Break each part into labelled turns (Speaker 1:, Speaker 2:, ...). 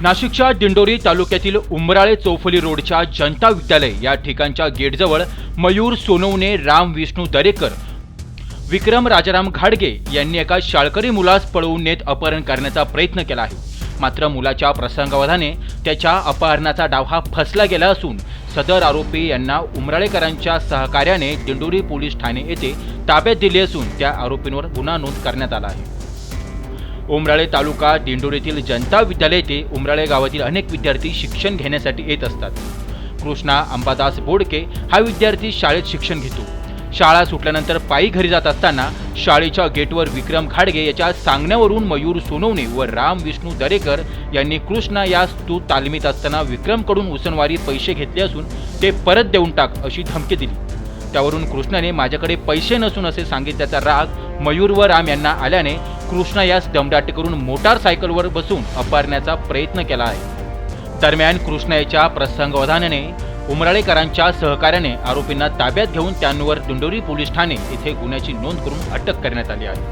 Speaker 1: नाशिकच्या दिंडोरी तालुक्यातील उमराळे चौफुली रोडच्या जनता विद्यालय या ठिकाणच्या गेटजवळ मयूर सोनवणे, राम विष्णू दरेकर, विक्रम राजाराम घाडगे यांनी एका शाळकरी मुलास पळवून नेत अपहरण करण्याचा प्रयत्न केला आहे। मात्र मुलाच्या प्रसंगावधाने त्याच्या अपहरणाचा डाव हा फसला गेला असून सदर आरोपी यांना उमराळेकरांच्या सहकार्याने दिंडोरी पोलीस ठाणे येथे ताब्यात दिले असून त्या आरोपींवर गुन्हा नोंद करण्यात आला आहे। उमराळे तालुका दिंडोरीतील जनता विद्यालय येथे उमराळे गावातील अनेक विद्यार्थी शिक्षण घेण्यासाठी येत असतात। कृष्णा अंबादास बोडके हा विद्यार्थी शाळेत शिक्षण घेतो। शाळा सुटल्यानंतर पायी घरी जात असताना शाळेच्या गेटवर विक्रम घाडगे याच्या सांगण्यावरून मयूर सोनवणे व राम विष्णू दरेकर यांनी कृष्णा यास तू तालमीत असताना विक्रमकडून उसनवारी पैसे घेतले असून ते परत देऊन टाक अशी धमकी दिली। त्यावरून कृष्णाने माझ्याकडे पैसे नसून असे सांगितल्याचा राग मयूर व राम यांना आल्याने कृष्णा यास दमदाटी करून मोटारसायकलवर बसून अपहरण्याचा प्रयत्न केला आहे। दरम्यान कृष्णा याच्या प्रसंगावधानाने उमराळेकरांच्या सहकार्याने आरोपींना ताब्यात घेऊन त्यांवर दिंडोरी पोलीस ठाणे येथे गुन्ह्याची नोंद करून अटक करण्यात आली आहे।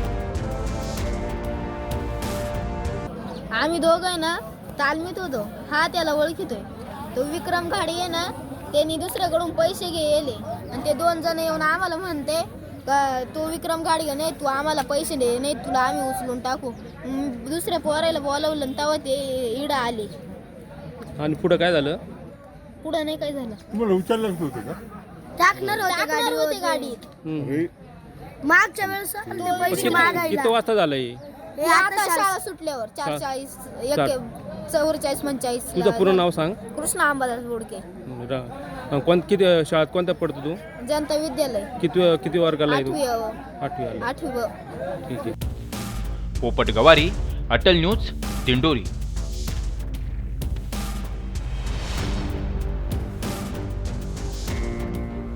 Speaker 2: आम्ही दोघं ना तालमीत होतो। हा त्याला ओळखितोय। तो विक्रम घाडगे आहे ना, त्यांनी दुसऱ्याकडून पैसे घेतले आणि ते दोन जण येऊन आम्हाला म्हणते का तो विक्रम घाडगे नाही, तू आम्हाला पैसे दे, नाही तुला आम्ही उचलून टाकू। दुसऱ्या पोराला बोलावलं आणि तेव्हा ते इडं आले।
Speaker 3: आणि पुढे काय झालं?
Speaker 2: पुढं नाही काय झालं।
Speaker 4: तुम्हाला उचललंच नव्हतं का?
Speaker 2: टाकणार होते गाडीत। मागच्या वेळेस ते पैसे मागायला
Speaker 3: किती वाजता झालं
Speaker 2: हे आता शाळा सुटल्यावर 4:40 44 45।
Speaker 3: तुझं पूर्ण नाव सांग।
Speaker 2: कृष्णा अंबादास बोडके।
Speaker 3: किती शाळेत कोणत्या पडतो तू?
Speaker 2: जनता विद्यालय।
Speaker 3: किती वर्गाला आहे तू?
Speaker 2: 8वी।
Speaker 3: ठीक आहे।
Speaker 1: पोपट गवारी, अटल न्यूज, दिंडोरी।